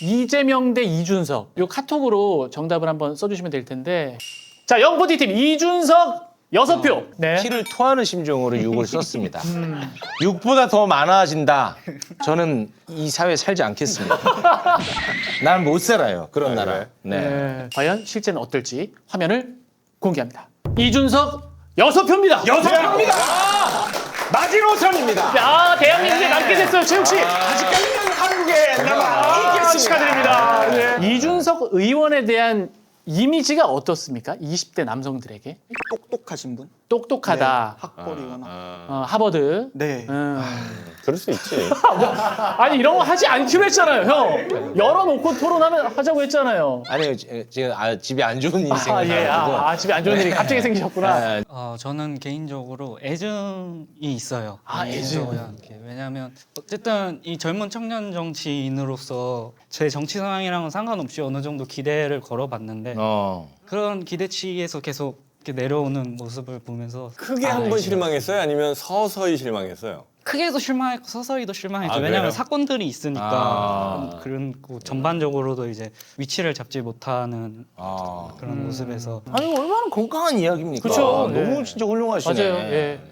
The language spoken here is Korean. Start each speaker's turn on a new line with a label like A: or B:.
A: 이재명 대 이준석. 요 카톡으로 정답을 한번 써주시면 될 텐데. 자, 영포티팀 이준석 6표. 네.
B: 피를 토하는 심정으로 6을 썼습니다. 6보다 더 많아진다. 저는 이 사회에 살지 않겠습니다. 난 못 살아요. 그런 나라. 네.
A: 네. 과연 실제는 어떨지 화면을 공개합니다. 이준석 6표입니다.
C: 6표입니다. 마지노선입니다.
A: 야, 대한민국에 남게 됐어요, 최욱 씨.
C: 아직까지는 한국에 남아 있겠습니다.
A: 축하드립니다. 네. 이준석 의원에 대한 이미지가 어떻습니까? 20대 남성들에게
D: 똑똑하신 분?
A: 똑똑하다.
D: 학벌이거나.
A: 하버드.
D: 네.
C: 그럴 수 있지.
A: 아니 이런 거 하지 않기로 했잖아요, 형. 열어놓고 토론하면 하자고 했잖아요.
B: 아니요, 제가 집이 안 좋은 일이 생겨가지고.
A: 집에 안 좋은 일이 갑자기 생기셨구나.
B: 네.
E: 저는 개인적으로 애증이 있어요.
A: 애증.
E: 이렇게. 왜냐하면 어쨌든 이 젊은 청년 정치인으로서 제 정치 상황이랑은 상관없이 어느 정도 기대를 걸어봤는데 그런 기대치에서 계속 이렇게 내려오는 모습을 보면서
F: 크게 한 번 실망했어요? 아니면 서서히 실망했어요?
E: 크게도 실망했고 서서히도 실망했죠.
F: 아,
E: 왜냐하면
F: 그래요?
E: 사건들이 있으니까 그리고 전반적으로도 이제 위치를 잡지 못하는 그런 모습에서
B: 아니, 얼마나 건강한 이야기입니까?
A: 그쵸.
B: 너무 진짜 훌륭하시네.
A: 맞아요. 예.